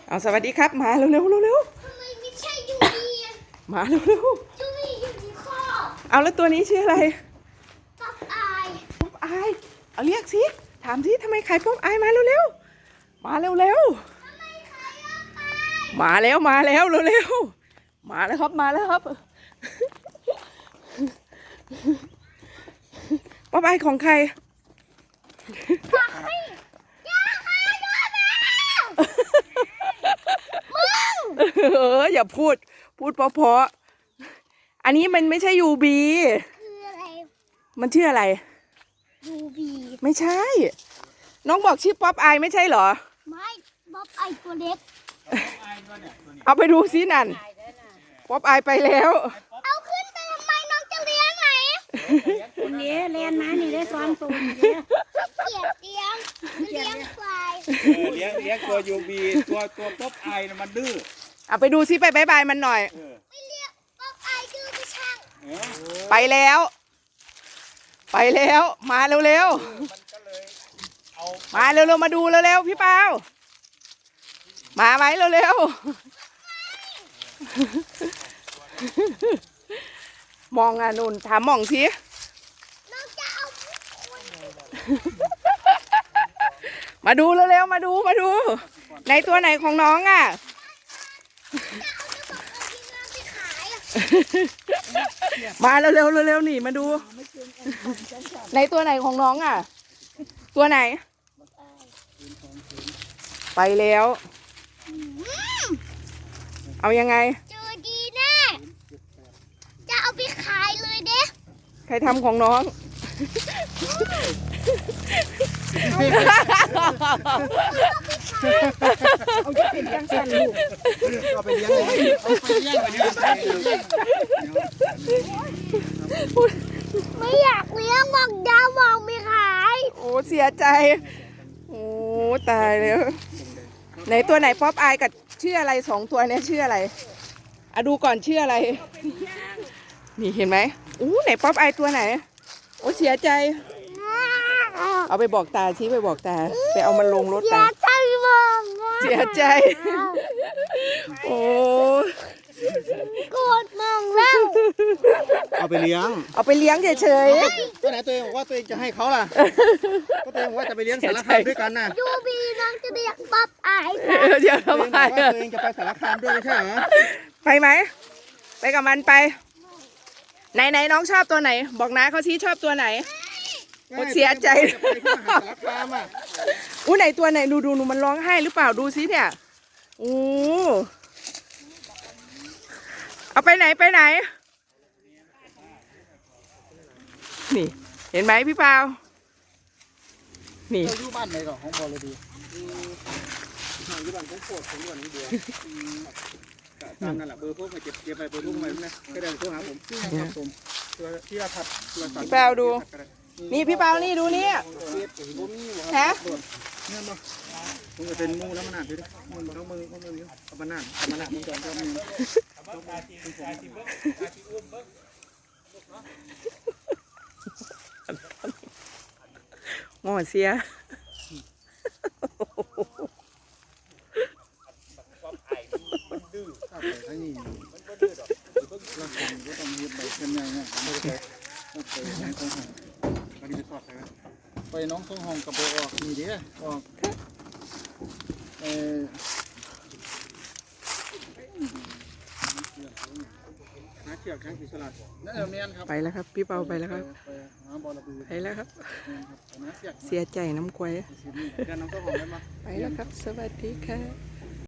เอาสวัสดีครับมาเร็วๆเร็วทำไมไม่ใช่ยูบีอะๆมาเร็วยูบีอยู่ที่คอๆเอาแล้วตัวนี้ชื่ออะไรป๊อปอายป๊อปอายเอาเรียกสิถามสิทำไมขายป๊อปอายมาเร็วๆมาเร็วทำไมใครเอาไปๆมาแล้วเร็วๆมาแล้วครับป๊อปอายของใครอย่าพูดเพราะๆอันนี้มันไม่ใช่ยูบีคืออะไรมันชื่ออะไรยูบีไม่ใช่ น้องบอกชื่อป๊อปอายไม่ใช่เหรอไม่ป๊อปอายตัวเล็กเอาไปดูซินั่นป๊อปอายไปแล้วเอาขึ้นไปทำไมน้องจะเลี้ยงไหนนี่เรียนนะนี่ได้ซ้อมตูนนี่เกลียดเลี้ยงควายเลี้ยงตัวยูบีตัวป๊อปไอนะมันดื้อเอาไปดูซิไปบายบายมันหน่อยไม่เลี้ยงป๊อปอายดื้อไปช่างไปแล้วมาเร็วๆมาเร็วๆมาดูเร็วๆพี่เปามาไหมเร็วๆมองอ่ะนุ่นถามมองสิน้องจะเอามาดูเร็วๆมาดูในตัวไหนของน้องอ่ะมาเร็วๆนี่มาดูในตัวไหนของน้องอ่ะตัวไหนไปแล้วเอายังไงเจอดีแน่จะเอาไปขายเลยเด้ใครทำของน้องเอาจะเป็นจังสันลูกเอาไปเลี้ยงเลยเอาไปเลี้ยงไปเลี้ยงไม่อยากเลี้ยงบอกดาวบอกไม่ขายโอ้เสียใจโอ้ตายแล้วไหนตัวไหนป๊อปอายกับชื่ออะไรสองตัวนี้ชื่ออะไรอะดูก่อนชื่ออะไรนี่เห็นไหมไหนป๊อปอายตัวไหนโอ้เสียใจเอาไปบอกตาชี้ไปบอกตาไปเอามันลงรถตาเสียใจโอ้โกรธมึงแล้วเอาไปเลี้ยงเฉยตัวไหนตัวเองบอกว่าตัวเองจะให้เขาล่ะก็ตัวเองบอกว่าจะไปเลี้ยงสารคามด้วยกันน่ะยูบีน้องจะเรียกป๊อปอายเดี๋ยวทำไมตัวเองจะไปสารคามด้วยไม่ใช่เหรอไปไหมไปกับมันไปไหนน้องชอบตัวไหนบอกนะเขาชี้ชอบตัวไหนเสียใจไหนตัวไหนดูมันร้องไห้หรือเปล่าดูซิเนี่ยเอาไปไหนนี่เห็นไหมพี่เปานี่อยู่บ้านไหนก่อนของบอลเลยดีอยู่บ้านของโปรดของวันนี้เดียวตามกันแหละเบอร์พวกมาเก็บไปเบอร์พวกมาเนี่ยก็ได้โทรหาผมครับผมที่อาทัดพี่เปาดูนี่พี่เปานี่ดูนี่ฮะเนี่ยมามึงจะเป็นมูแล้วมันหนาดด้วยมึงต้องมึงเอามันหนาดมึงจอมก็มึงงอเสียไปน้องทรงหงกับโบออกมีเดียออกหาเชือกหาสีสลัดนั่นเมียนครับไปแล้วครับพี่เปาไปแล้วครับไปแล้วครับเสียใจน้ำควายไปแล้วครับสวัสดีค่ะ